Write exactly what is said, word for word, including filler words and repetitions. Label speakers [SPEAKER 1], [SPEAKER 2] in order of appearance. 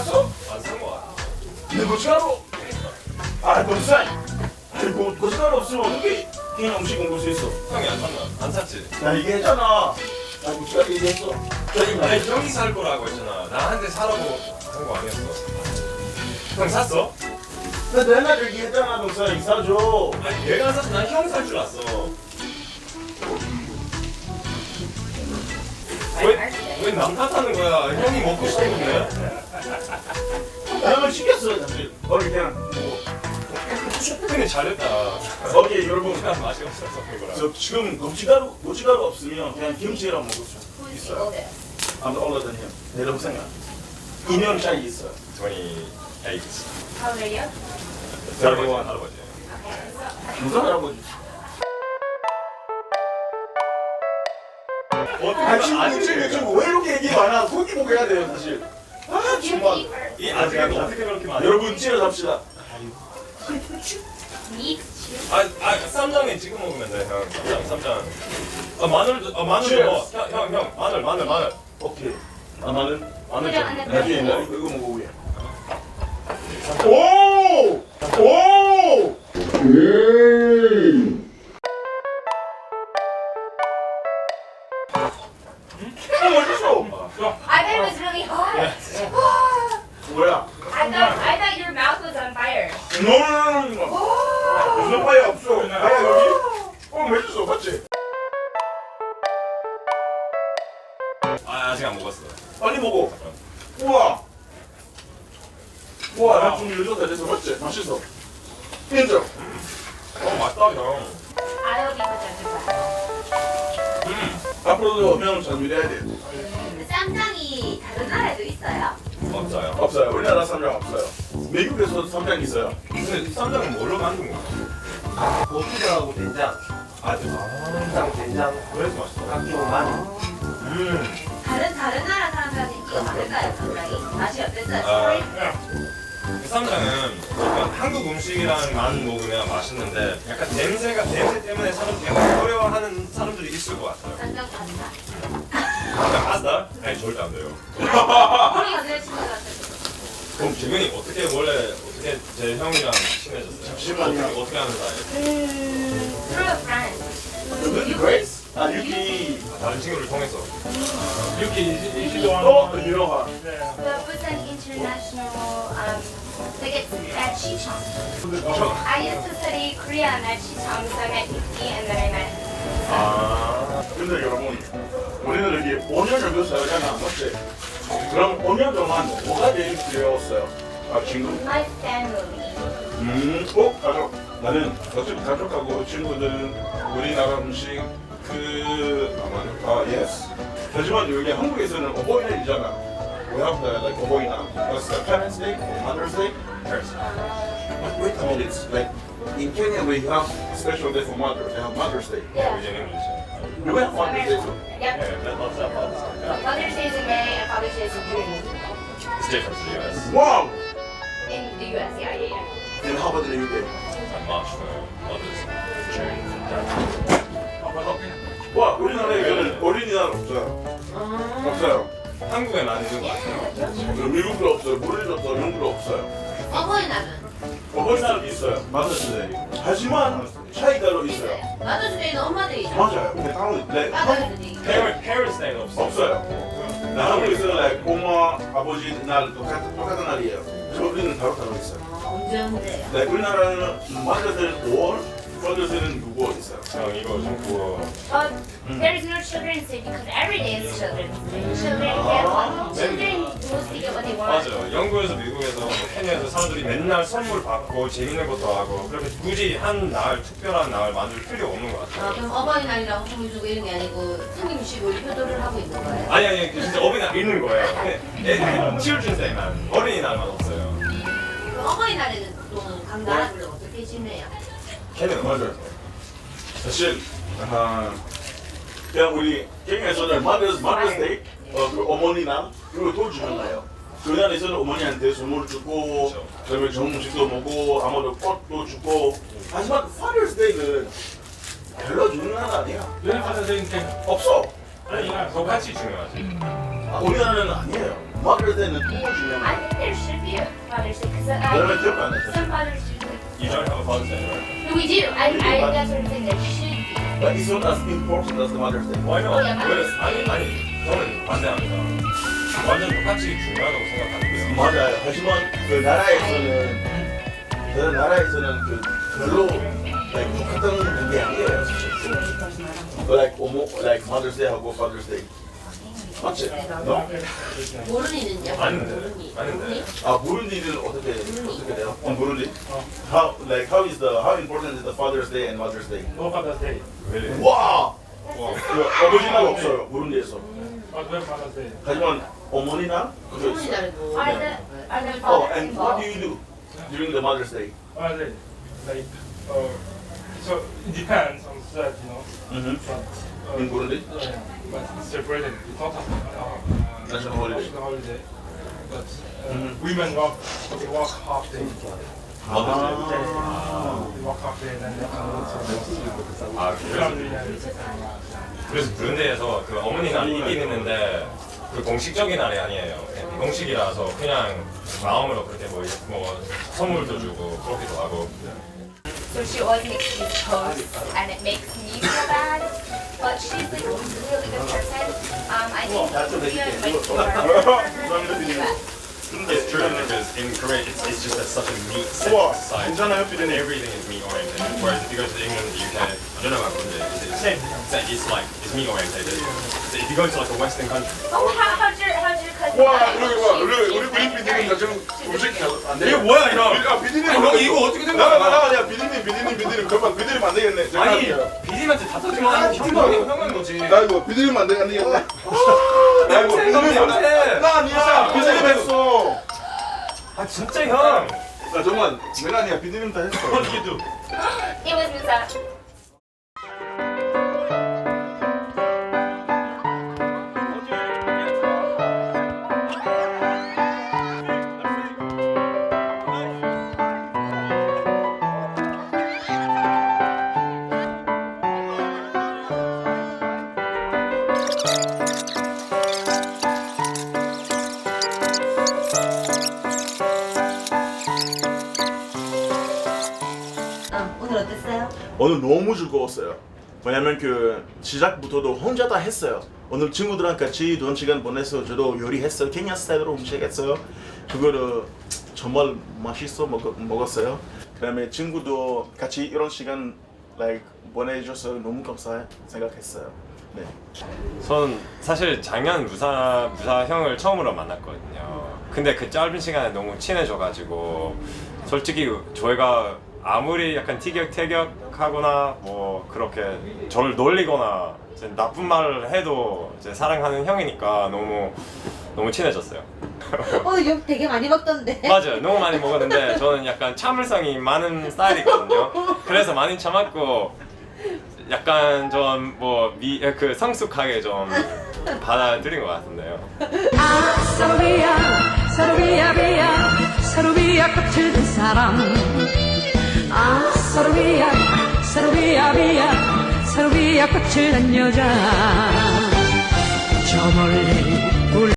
[SPEAKER 1] 샀어?
[SPEAKER 2] 안 산 거 같아.
[SPEAKER 1] 내 고춧가루. 아 고추장. 아이고 고춧가루 없으면 어떻게 그냥 음식 먹을 수 있어?
[SPEAKER 2] 형이 안 샀나? 안 샀지?
[SPEAKER 1] 나 얘기했잖아. 나 고춧가루 얘기했어. 저기
[SPEAKER 2] 아니 형이 살 거라고 했잖아. 나한테 사라고 한 거 아니었어. 형 샀어?
[SPEAKER 1] 나 내가 얘기했잖아 동생 이사줘.
[SPEAKER 2] 아니 얘가 안 샀어. 난 형 살 줄 알았어. 왜 왜 남 탓하는 거야? 형이 먹고 싶은 건데.
[SPEAKER 1] 나는 시켰어 사실. 거기 그냥 뭐.
[SPEAKER 2] 근데 잘했다.
[SPEAKER 1] 거기 여러분
[SPEAKER 2] 그냥 맛이 없어서 그런 거라.
[SPEAKER 1] 저 지금 고춧가루 고춧가루 없으면 그냥 김치랑 먹을 수 있어요. I'm older than him. 내 동생아. 이 년 차이 있어요.
[SPEAKER 2] twenty-eight.
[SPEAKER 3] How old are you?
[SPEAKER 2] 할아버지, 할아버지.
[SPEAKER 1] 무슨 할아버지?
[SPEAKER 2] 어떻게
[SPEAKER 1] 아 친구
[SPEAKER 2] 아직
[SPEAKER 1] 친구 친구 왜 이렇게 얘기 많아? 고기 먹어야 돼요 사실. 아 정말.
[SPEAKER 2] 이 아직은 어떻게 그렇게 많아?
[SPEAKER 1] 여러분 치료합시다.
[SPEAKER 3] Meat?
[SPEAKER 2] 아, 아 쌈장에 찍어 먹으면 돼, 형. 쌈장, 쌈장. 아 마늘도, 아 마늘
[SPEAKER 1] Cheers.
[SPEAKER 2] 넣어. 형, 형, 형, 마늘, 마늘, 마늘.
[SPEAKER 1] 오케이. 아 마늘 마늘
[SPEAKER 3] 그래,
[SPEAKER 1] 좀.
[SPEAKER 3] 안에
[SPEAKER 1] 나중에
[SPEAKER 3] 넣어.
[SPEAKER 1] 나 이거 이거 먹어 위에. 오! 오! 음. 어 맛있어.
[SPEAKER 3] I bet it was really hot.
[SPEAKER 1] 뭐야?
[SPEAKER 3] I thought I thought your mouth was on fire.
[SPEAKER 1] 노노노노. 무슨 파야 없어. 파야 여기? 어 맛있어 맞지?
[SPEAKER 2] 아 아직 안 먹었어.
[SPEAKER 1] 빨리 먹어. 우와. 우와 나 좀 늦었다 됐어 맞지? 맛있어. 인정.
[SPEAKER 2] 어 맛있다, 형.
[SPEAKER 3] I hope you put that in
[SPEAKER 2] 음,
[SPEAKER 1] 앞으로도 형 전율해야 돼.
[SPEAKER 3] 쌈장이 다른 나라에도 있어요?
[SPEAKER 2] 없어요.
[SPEAKER 1] 없어요. 우리나라 쌈장 없어요. 미국에서 쌈장 있어요.
[SPEAKER 2] 근데 쌈장은 뭘로 만든 거야?
[SPEAKER 4] 고추장하고 된장,
[SPEAKER 2] 아, 아,
[SPEAKER 4] 고추장, 된장,
[SPEAKER 2] 그래서 맛있어.
[SPEAKER 4] 깎이고 마늘.
[SPEAKER 2] 음,
[SPEAKER 3] 다른 다른 나라 사람들한테 인기가 많을까요, 쌈장이? 맛이 어땠어요?
[SPEAKER 2] 아, 그 쌈장은 약간 한국 음식이랑만 먹으면 맛있는데 약간 냄새가 냄새 때문에 사람들이 약간 어려워하는 사람들이 있을 것 같아요.
[SPEAKER 3] 쌈장 파스타.
[SPEAKER 2] 쌈장 파스타? 아니 절대 안 돼요.
[SPEAKER 3] 우리 여자친구한테
[SPEAKER 2] 그럼 지금이 어떻게 원래 어떻게 제 형이랑 친해졌어요?
[SPEAKER 1] 잠시만요.
[SPEAKER 2] 어떻게, 어떻게 하는 사이예요?
[SPEAKER 3] through a friend.
[SPEAKER 1] 유키 그레이스? 아 유키.
[SPEAKER 2] 다른 친구를 통해서.
[SPEAKER 5] Yuki, is, is she the one?
[SPEAKER 1] 어 유명하.
[SPEAKER 3] The Busan International, um, like it's at Chichong. I used to study Korean at Chichong, so I met Yuki and then I met.
[SPEAKER 1] 아. 근데 여러분 우리는 여기 오 년 정도 살잖아 맞지? 그럼 오 년 동안 뭐가 제일 두려웠어요? 아 친구?
[SPEAKER 3] My family.
[SPEAKER 1] 음, 어? 가족. 나는 어차피 가족하고 친구들은 우리나라 음식 그 아, 예스. 하지만 여기 한국에서는 어버이날이잖아. We have the like 어버이날. That's the Parents' Day, Mother's Day.
[SPEAKER 2] Parents.
[SPEAKER 1] Wait a minute, it's like in Kenya we have special day for mother. They have Mother's Day.
[SPEAKER 3] Yeah.
[SPEAKER 2] 우리 English.
[SPEAKER 1] You have Mother's Day too.
[SPEAKER 3] Yep.
[SPEAKER 2] Yeah, that loves that Father's Day.
[SPEAKER 3] Mother's Day is in May and Father's Day is in June.
[SPEAKER 2] It's different to the U S.
[SPEAKER 1] Wow.
[SPEAKER 3] In the U S, yeah, yeah, yeah.
[SPEAKER 1] And how about the U K?
[SPEAKER 2] And March for Mother's June.
[SPEAKER 1] 와, 우리나라에는 어린이날 없어요. 없어요.
[SPEAKER 2] 한국에 많이 있는 것 같아요.
[SPEAKER 1] 미국도 없어요. 모리도 없어요. 영국도 없어요.
[SPEAKER 3] 어버이날은?
[SPEAKER 1] 어버이날은 있어요. Mother's Day. 하지만 차이가로 있어요.
[SPEAKER 3] Mother's Day는 엄마들이죠.
[SPEAKER 1] 맞아요. 근데 다른 네,
[SPEAKER 3] 아빠들은 얘기.
[SPEAKER 2] Parent, Parents Day는 없어.
[SPEAKER 1] 없어요. 나 한국에서는 like, 엄마, 아버지 날 똑같은, 똑같은 날이에요. 저 우리는 따로 따로 있어요.
[SPEAKER 3] 언제 언제요?
[SPEAKER 1] 네, 우리나라는 Mother's Day는 오월, Father's Day는 구월 있어요.
[SPEAKER 2] 형 이거 좀 구워.
[SPEAKER 3] But there is no Children's Day because every day is Children's Day. Children get what? Children mostly get what they want.
[SPEAKER 2] 맞아요. 영국에서 미국에서 뭐 케냐에서 사람들이 맨날 선물 받고 재밌는 것도 하고 그렇게 굳이 한 날 특별한 날 만들 필요 없는 것 같아요.
[SPEAKER 6] 아, 그럼 어버이날이라고 선물 주고 이런 게 아니고 생김식으로 효도를 하고 있는 거예요?
[SPEAKER 2] 아니 아니 진짜 어린이날 있는 거예요. 애 Children's Day만 어린이날만 없어요.
[SPEAKER 6] 그럼 어버이날에는 보통 각 나라별로 어떻게 지내요?
[SPEAKER 2] 걔는
[SPEAKER 1] 맞아요. 사실 아, 그냥 우리 케냐에서는 Mother's, Mother's Day, 어, 그 어머니 날 그리고 돈 주는 날이에요. 그 날에서는 어머니한테 선물 주고 그다음에 좋은 음식도 먹고 아무도 꽃도 주고 하지만 Father's Day는 별로 주는 날 아니야.
[SPEAKER 5] When Father's Day in Kenya?
[SPEAKER 1] 없어.
[SPEAKER 2] 아니 똑같이 중요하지.
[SPEAKER 1] 아, 우리나라는 아니에요. Mother's Day는 또 중요한
[SPEAKER 3] I
[SPEAKER 1] 거예요.
[SPEAKER 3] think there should be a Father's Day because
[SPEAKER 1] 여러분
[SPEAKER 3] I
[SPEAKER 1] 기억 안 해요.
[SPEAKER 3] some fathers do. like-
[SPEAKER 2] You don't have a Father's Day, right?
[SPEAKER 3] No, we do. I, I that's what I'm saying. There should be.
[SPEAKER 1] But it's not as important as the Mother's Day.
[SPEAKER 2] Why not?
[SPEAKER 3] 어, 야,
[SPEAKER 2] 왜? 아니 아니 저는 반대합니다. 완전 똑같이 중요하다고 생각하는데요.
[SPEAKER 1] 맞아요. 하지만 그 나라에서는 다른 나라에서는 그 별로 like 똑같은 게 아니에요. 사실. Like 어머, like Mother's Day하고 Father's Day. 맞지? 너?
[SPEAKER 6] 모르니는요?
[SPEAKER 2] 아닌데.
[SPEAKER 6] 모르니.
[SPEAKER 2] 아닌데.
[SPEAKER 6] 모르니?
[SPEAKER 1] 아 부룬디는 어떻게 어떻게 돼요? 어 부룬디? How like how is the how important is the Father's Day and Mother's Day?
[SPEAKER 5] No Father's Day.
[SPEAKER 2] Really?
[SPEAKER 1] 와! 그 어버지날 없어요 부룬디에서.
[SPEAKER 5] But when Father's Day?
[SPEAKER 1] 하지만 어머니나 그거
[SPEAKER 6] 소문이
[SPEAKER 1] 있어요.
[SPEAKER 6] 다르고.
[SPEAKER 3] Are the are the
[SPEAKER 1] Oh,
[SPEAKER 3] fathers
[SPEAKER 1] and what do
[SPEAKER 3] involved?
[SPEAKER 1] you do during the Mother's Day?
[SPEAKER 5] Father's Day. Like, uh, so it depends on that, you know.
[SPEAKER 1] Mm-hmm.
[SPEAKER 5] But, uh,
[SPEAKER 1] In Burundi?
[SPEAKER 5] yeah, but it's celebrated. It's not a uh,
[SPEAKER 1] National holiday.
[SPEAKER 5] national holiday. But uh,
[SPEAKER 1] Mhm.
[SPEAKER 5] women work, they work half day.
[SPEAKER 1] Mother's Day.
[SPEAKER 5] They work half day and then they come home.
[SPEAKER 2] 아 그래서
[SPEAKER 5] Family and
[SPEAKER 2] 그래서 브룬디에서 그 어머니 날이 있긴 있는데 그 공식적인 날이 아니에요. 그냥 비공식이라서 그냥 마음으로 그렇게 뭐, 뭐 선물도 주고 그렇기도 하고.
[SPEAKER 3] So she always makes these posts, and it makes me feel bad. But she's like a really good person. Um, I think Korea might be her.
[SPEAKER 2] It's true because in Korea it's, it's just a, such a meat-centric
[SPEAKER 1] 우와,
[SPEAKER 2] society.
[SPEAKER 1] 괜찮아요, 피디님?
[SPEAKER 2] Everything is meat-oriented. Whereas if you go to England, the U K, I don't know about Burundi, it's, it's, it's, it's like it's meat-oriented. So if you go to like a Western country,
[SPEAKER 3] Oh, how, how's your how's your cousin?
[SPEAKER 1] 와,
[SPEAKER 3] doing?
[SPEAKER 1] 우리 와, 우리 우리 우리 피디님 나 지금 음식 안 돼.
[SPEAKER 2] 이게 뭐야 형?
[SPEAKER 1] 아 피디님
[SPEAKER 2] 아니, 형 이거 어떻게 된
[SPEAKER 1] 나가
[SPEAKER 2] 거야?
[SPEAKER 1] 나가 야 피디님 피디님 피디님 그만 피디님 안 되겠네. 제가
[SPEAKER 2] 아니
[SPEAKER 1] 할게요.
[SPEAKER 2] 비님한테 다 터지면 형도 형은 거지.
[SPEAKER 1] 나 이거 피디님 안 되겠네. 나 이거
[SPEAKER 2] 냄새,
[SPEAKER 1] 피디님
[SPEAKER 2] 냄새.
[SPEAKER 1] 나 아니야 피디님 했어.
[SPEAKER 2] 아 진짜 형.
[SPEAKER 1] 나 정말 내가 아니야 피디님 다 했어.
[SPEAKER 2] What did you do?
[SPEAKER 3] It was Musa.
[SPEAKER 6] 어, 오늘 어땠어요?
[SPEAKER 1] 오늘 너무 즐거웠어요. 왜냐면 그 시작부터도 혼자 다 했어요. 오늘 친구들랑 같이 좋은 시간 보내서 저도 요리했어요. 케냐 스타일로 음식했어요. 그거를 정말 맛있어 먹, 먹었어요. 그다음에 친구도 같이 이런 시간 like, 보내줘서 너무 감사 생각했어요. 네.
[SPEAKER 2] 전 사실 작년 무사 무사 형을 처음으로 만났거든요. 근데 그 짧은 시간에 너무 친해져가지고 솔직히 저희가 아무리 약간 티격태격하거나 뭐 그렇게 저를 놀리거나 이제 나쁜 말을 해도 이제 사랑하는 형이니까 너무 너무 친해졌어요.
[SPEAKER 6] 오늘 욕 되게 많이 먹던데.
[SPEAKER 2] 맞아요. 너무 많이 먹었는데 저는 약간 참을성이 많은 스타일이거든요. 그래서 많이 참았고 약간 좀 뭐 그 성숙하게 좀 받아들인 것 같은데요.
[SPEAKER 4] 아 사루비야 사루비야 비야 사루비야 꽃을 든 사람 아 사루비야 사루비야 비야 사루비야 꽃을 든 여자 저 멀리